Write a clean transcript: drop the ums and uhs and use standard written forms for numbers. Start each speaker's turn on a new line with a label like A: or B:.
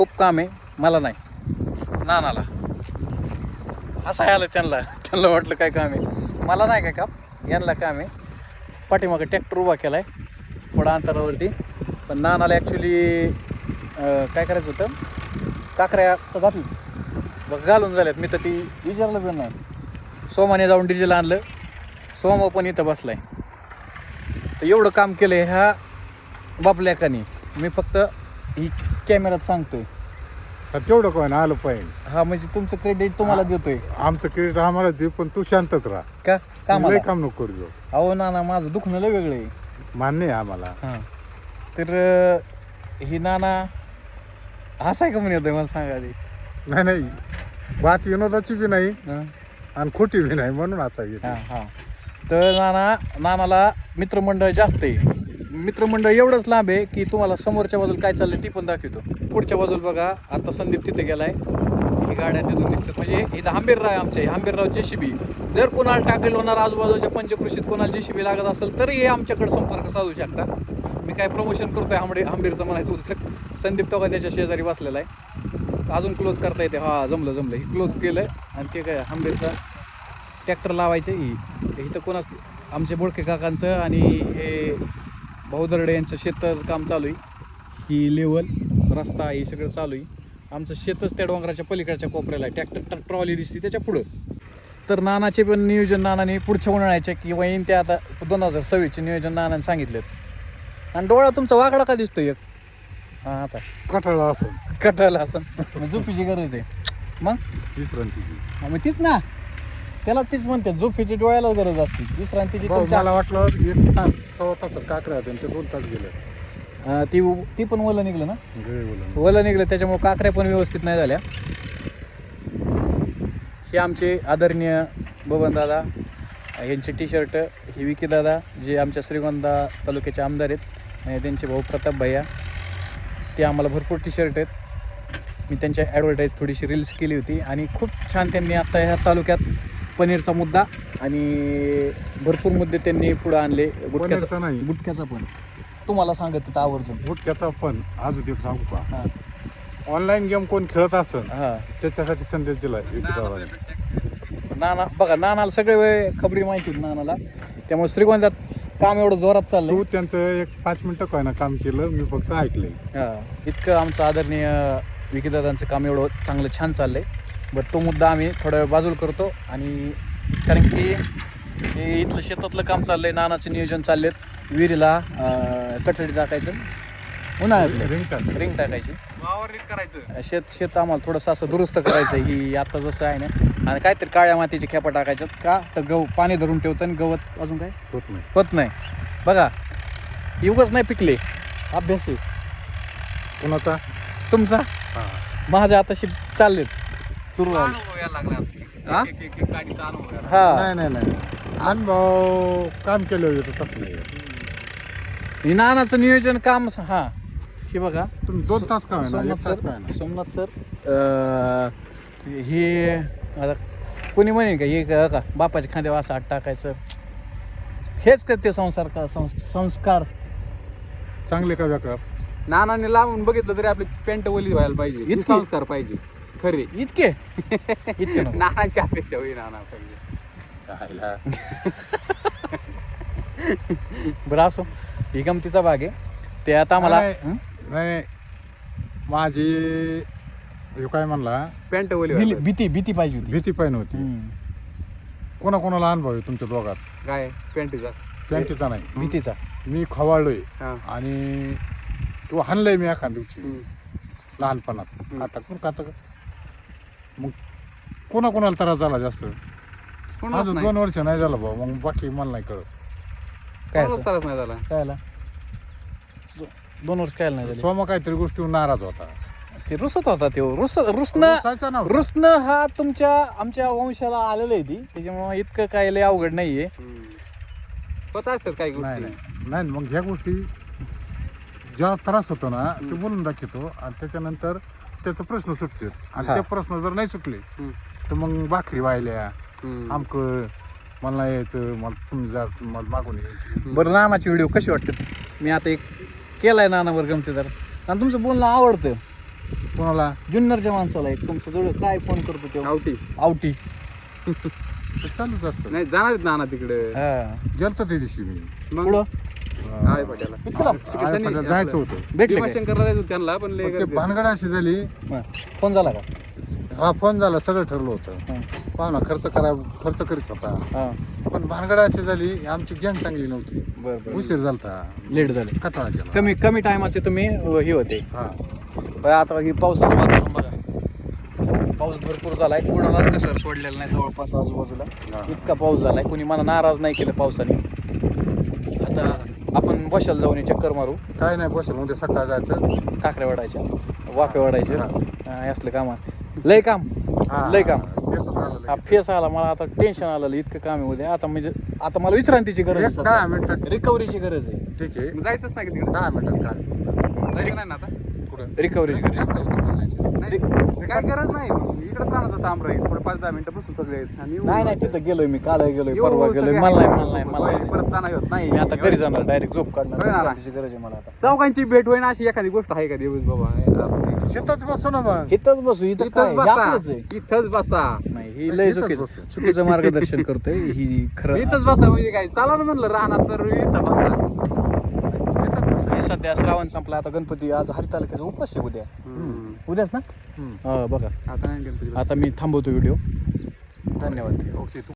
A: खूप काम आहे, मला नाही, नानाला. असं आलं त्यांना वाटलं काय काम आहे, मला नाही काय काम, यांना काम आहे. पाठीमागं ट्रॅक्टर उभा केला आहे थोडा अंतरावरती. पण नानाला ॲक्च्युली काय करायचं होतं, काकऱ्या तर घातली बघ घालून झाल्यात. मी तर ती विचारलं पण नाही. सोमाने जाऊन डिझेल आणलं, सोमा पण इथं बसलाय. तर एवढं काम केलं ह्या बापल्याकानी. मी फक्त ही कॅमेऱ्यात सांगतोय.
B: तेवढं काय ना आलं पाहिजे.
A: हा म्हणजे तुमचं क्रेडिट तुम्हाला देतोय.
B: आमचं क्रेडिट आम्हाला दे, पण तू शांतच राहा.
A: का
B: लय
A: काम
B: काम नको करू.
A: अहो नाना, माझं दुखणं लय वेगळं आहे.
B: मान्य आहे आम्हाला.
A: हां तर ही नाना हसाय का म्हणे येतोय मला सांगा आधी.
B: नाही बात विनोदाची बी नाही
A: हां
B: आणि खोटी बी नाही, म्हणून असावी.
A: हां हां तर नानाला मित्रमंडळ जास्त आहे. मित्रमंडळ एवढंच लांब आहे की तुम्हाला समोरच्या बाजूला काय चाललंय ती पण दाखवतो. पुढच्या बाजूला बघा, आता संदीप तिथे गेलाय. ही गाड्या तिथून निघतात. म्हणजे इथं हंबीरराव आहे आमचे, हंबीरराव JCB. जर कोणाला टाकेल होणार आजूबाजूच्या पंचकृषीत कोणाला JCB लागत असेल तरी हे आमच्याकडे संपर्क साधू शकता. मी काय प्रमोशन करतोय हंबीरचं म्हणायचं होतं. संदीप तो त्याच्या शेजारी बसलेला आहे. अजून क्लोज करता येते. हा जमलं ही क्लोज केलं. आणि ते काय हंबीरचा ट्रॅक्टर लावायचं इथं कोण असते, आमचे बोडके काकांचं आणि हे भाऊदर्डे यांचं शेताचं काम चालू आहे. ही लेवल रस्ता हे सगळं चालू आहे. आमचं शेतच त्या डोंगराच्या पलीकडच्या कोपऱ्याला आहे. ट्रॅक्टर ट्रॉली दिसते त्याच्या पुढं. तर नानाचे पण नियोजन नानाने पुढच्या उन्हाळ्याच्या किंवा येईन ते आता 2026चे नियोजन नानाने सांगितलेत. आणि डोळा तुमचा वाकडा का दिसतोय एक? हां आता
B: कटाळा असं
A: कटायला असं झोपीची गरज आहे मग
B: विश्रांतीची.
A: मग तीच ना, त्याला तीच म्हणते झोपीची डोळ्याला गरज असते, विश्रांतीची.
B: मला वाटलं 1 तास 1.25 तास काकऱ्या होते, ते 2 तास गेले.
A: ती पण वलं निघलं ना,
B: बोला.
A: वलं निघलं त्याच्यामुळे काकऱ्या पण व्यवस्थित नाही झाल्या. हे आमचे आदरणीय बबन दादा यांचे टी-शर्ट, हे विकी दादा जे आमच्या श्रीगोंदा तालुक्याचे आमदार आहेत, आणि त्यांचे भाऊ प्रताप भैया, ते आम्हाला भरपूर टी-शर्ट आहेत. मी त्यांच्या ॲडव्हर्टाईज थोडीशी रील्स केली होती आणि खूप छान त्यांनी आत्ता ह्या तालुक्यात पनीरचा मुद्दा आणि भरपूर मुद्दे त्यांनी पुढे आणले. गुटख्याचा पण तुम्हाला सांगत तिथं आवर्जून.
B: गुटख्याचा पण अजून एक सांगू का,
A: हां
B: ऑनलाईन गेम कोण खेळत असेल
A: हां
B: त्याच्यासाठी संदेश दिलाय
A: नाना. बघा नानाला सगळे वेळ खबरी माहिती होती नानाला, त्यामुळे श्रीगोंद्यात काम एवढं जोरात चाललंय.
B: तू त्यांचं 5 मिनिटं काय ना काम केलं, मी फक्त ऐकलंय.
A: हां इतकं आमचं आदरणीय विकीदादांचं काम एवढं चांगलं छान चाललंय. बट तो मुद्दा आम्ही थोड्या वेळ बाजूला करतो. आणि कारण की हे इथलं शेतातलं काम चाललंय, नानाचं नियोजन चाललेत. विहिरीला कठडी टाकायचं, उन्हाळ्यातलं रिंग टाकायची, शेत आम्हाला थोडंसं असं दुरुस्त करायचं. ही आता जसं आहे ना, आणि काहीतरी काळ्या मातीची खेपा टाकायच्यात का तर गहू पाणी धरून ठेवतं आणि गवत अजून काय होत नाही. बघा युगच नाही पिकले, अभ्यास आहे
B: कोणाचा
A: तुमचा. माझ्या आताशी चाललेत सुरू. हा
B: नाही अनुभव काम केलं होतं तसं नाही.
A: नानाचं नियोजन काम. हा हे बघा
B: तुम्ही 2 तास काय ना, 1 तास काय ना.
A: सोमनाथ सर हे आता कोणी म्हणेल का हे का बापाच्या खांद्यावर असं हात टाकायचं, हेच का ते संस्कार
B: चांगले का बेकार.
C: नानाने लावून बघितलं तरी आपली पेंट ओली व्हायला पाहिजे,
A: इतकी?
C: संस्कार पाहिजे खरे.
A: इतके नको.
C: नानाची अपेक्षा होई नाना पाहिजे.
A: बरं असो, ही गमतीचा भाग आहे. ते आता आम्हाला
B: नाही माझी हे काय म्हणला,
C: पेंट ओली
A: भीती पाहिजे होती.
B: भीती पाहिजे होती. कोणाकोणाला अनुभव आहे तुमच्या दोघात
C: काय पेंटीचा
B: पॅन्टीचा नाही,
A: भीतीचा.
B: मी खवाळलोय
C: हा.
B: आणि तू हाणलंय मी एखाद दिवशी लहानपणात. आता मग कोणाकोणाला त्रास झाला जास्त, अजून 2 वर्ष नाही झालं भाऊ, मग बाकी मला नाही कळत.
A: काय
C: त्रास नाही झाला
A: कायला 2 वर्ष काय नाही झाले.
B: सोमा काहीतरी गोष्टीवर नाराज होता.
A: ते रुसत होता ते
B: रुसायचा नव्हता.
A: रुसणं हा आमच्या वंशाला आलेलं आहे. ती त्याच्यामुळे इतकं काय लय अवघड नाहीये.
C: पता असतात काही
B: नाही
C: गोष्टी.
B: नाही मग ह्या गोष्टी ज्या त्रास होतो ना ते बोलून दाखवतो, आणि त्याच्यानंतर त्याचा प्रश्न सुटते. आणि
A: हा.
B: ते प्रश्न जर नाही सुटले तर मग भाकरी वाहिल्या आमकं मला नाही यायचं, मला तुम्ही जा, मला मागून यायचं.
A: बरं नानाची व्हिडिओ कशी वाटते? मी आता एक केलाय नानावर गमतीदार, आणि तुमचं बोलणं आवडतं.
B: कोणाला
A: जुन्नरच्या माणसाला एक तुमचं जवळ काय फोन करतो तेव्हा
C: गावठी
A: आवटी
B: ते चालूच असतं.
C: नाही जाणार आहेत नाना तिकडे
A: हा
B: गेलतो त्या दिवशी मी
C: मग
A: पुढं
C: आळे पाट्याला
A: इतकं लांब?
B: आळेपाट्याला जायचं होतं.
A: भेटले काय
C: भीमाशंकरला जायचं होतं त्यांना पण लय
B: पण ते
C: गर्दी.
B: भानगड अशी झाली.
A: फोन झाला का
B: हा फोन झाला, सगळं ठरलं होतं.
A: हा.
B: पाहुणा खर्च करीत होता.
A: हा
B: पण भानगड अशी झाली, आमची गँग चांगली नव्हती.
A: बरं बरं
B: उशीर झालता,
A: लेट झाले
B: कटाळा केला.
A: कमी कमी टायमाचे तुम्ही हे होते
B: हा
A: बरं आता ही पावसाचं वातावरण बघा पाऊस भरपूर झालाय कुणालाच कसर सोडलेला नाही जवळपास आजूबाजूला
B: हा.
A: इतका पाऊस झालाय कुणी मला नाराज नाही केलं पावसाने आता आपण बशाला जाऊन हे चक्कर मारू
B: काय नाही बसेल, उद्या सकाळ जायचं.
A: काकऱ्या वाढायच्या वाफे वाढायचे
B: हा.
A: हे असलं काम लय काम
B: हा.
A: लय काम
B: तेच झालं
A: हा
B: लगेच.
A: फेस आला मला आता टेन्शन आलं इतकं काम आहे उद्या आता म्हणजे आता मला विश्रांतीची गरज
B: एक 10 मिनिटात
A: रिकव्हरीची गरज आहे
B: ठीक आहे.
C: मग जायचंच नाही का तिकडे
B: 10 मिनिटात काय
C: जायचं नाही ना आता
B: कुठं
A: रिकव्हरीची गरज आहे.
C: नाही काय गरज नाही इकडेच राहणार होता आमराई थोडं 5-10 मिनिटं बसू सगळे आणि येऊ.
A: नाही नाही तिथं गेलोय मी काल गेलोय
C: येऊ,
A: परवा
C: सगळे
A: गेलोय
C: आहे.
A: मला नाही
C: परत जाणार होत नाही
A: मी आता घरी जाणार डायरेक्ट झोप काढणार
C: होय ना.
A: विश्रांतीची गरज आहे मला आता
C: चौकांची भेट होईना अशी एखादी गोष्ट आहे का दिवस बाबा
B: शेतात बसतो ना मग.
A: इथंच बसू इथं
C: इथंच
A: काय हे
C: बसा
A: आपलंच आहे
C: इथंच बसा
A: नाही ही लय
B: इथंच
A: चुकीचं
B: बसू.
A: चुकीचं मार्गदर्शन करतोय ही खरं
C: इथंच बसा म्हणजे काय चाला ना म्हणलं राहणार तर इथं बसा
B: शेतात बसायचं.
A: हे सध्या श्रावण संपला आता गणपती आज हरी तालुक्याचा उपास आहे उद्या उद्याच ना
B: हम्म.
A: हा बघा
C: आता नाही गणपती
A: आता मी थांबवतो व्हिडिओ धन्यवाद
B: ओके.